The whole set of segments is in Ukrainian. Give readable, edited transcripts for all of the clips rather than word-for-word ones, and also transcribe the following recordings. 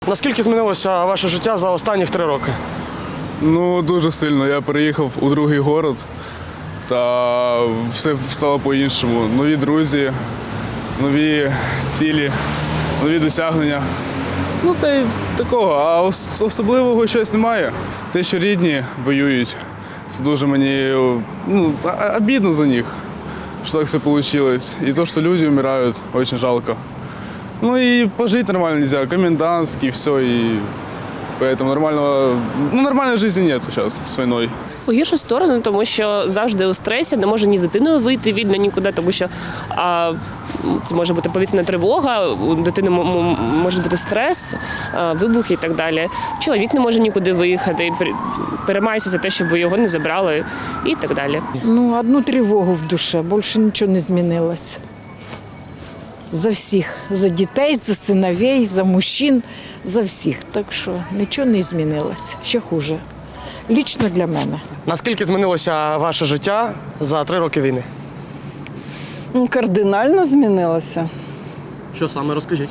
Наскільки змінилося ваше життя за останні 3 роки? Ну, дуже сильно. Я переїхав у другий город, та все стало по-іншому. Нові друзі, нові цілі, нові досягнення. Ну, та й такого, а особливого щось немає. Те, що рідні воюють, це дуже мені обідно за них, що так все вийшло. І те, що люди вмирають, дуже жалко. Ну и пожить нормально нельзя, комендантский, все, и поэтому нормальной жизни нет сейчас с войной. У гіршу сторону, тому що завжди у стресі, не може ні з дитиною вийти вільно нікуди, тому що це може бути повітряна тривога, у дитини може бути стрес, вибухи і так далі. Чоловік не може нікуди виїхати, переймається за те, щоб його не забрали і так далі. Ну, одну тривогу в душе, більше нічого не змінилося. За всіх, за дітей, за синовей, за мужчин, за всіх. Так що нічого не змінилося, ще хуже. Лічно для мене. Наскільки змінилося ваше життя за 3 роки війни? Кардинально змінилося. Що саме, розкажіть?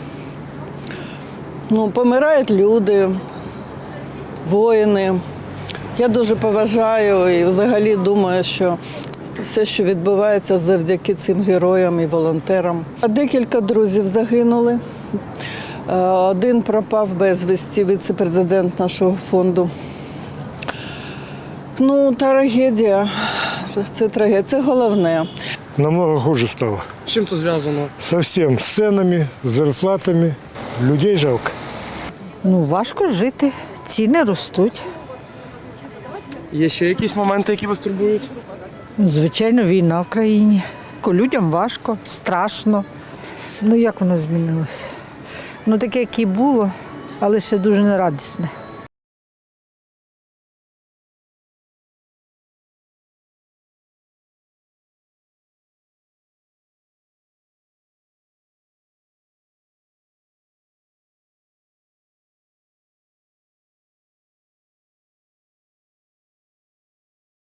Помирають люди, воїни. Я дуже поважаю і взагалі думаю, що все, що відбувається завдяки цим героям і волонтерам. Декілька друзів загинули. Один пропав безвісті, віце-президент нашого фонду. Трагедія. Це трагедія. Це головне. Намного хуже стало. З чим це зв'язано? Совсем з ценами, з зарплатами. Людей жалко. Важко жити, ціни ростуть. Є ще якісь моменти, які вас турбують? Звичайно, війна в країні. Людям важко, страшно. Як воно змінилося? Таке, як і було, але ще дуже нерадісне.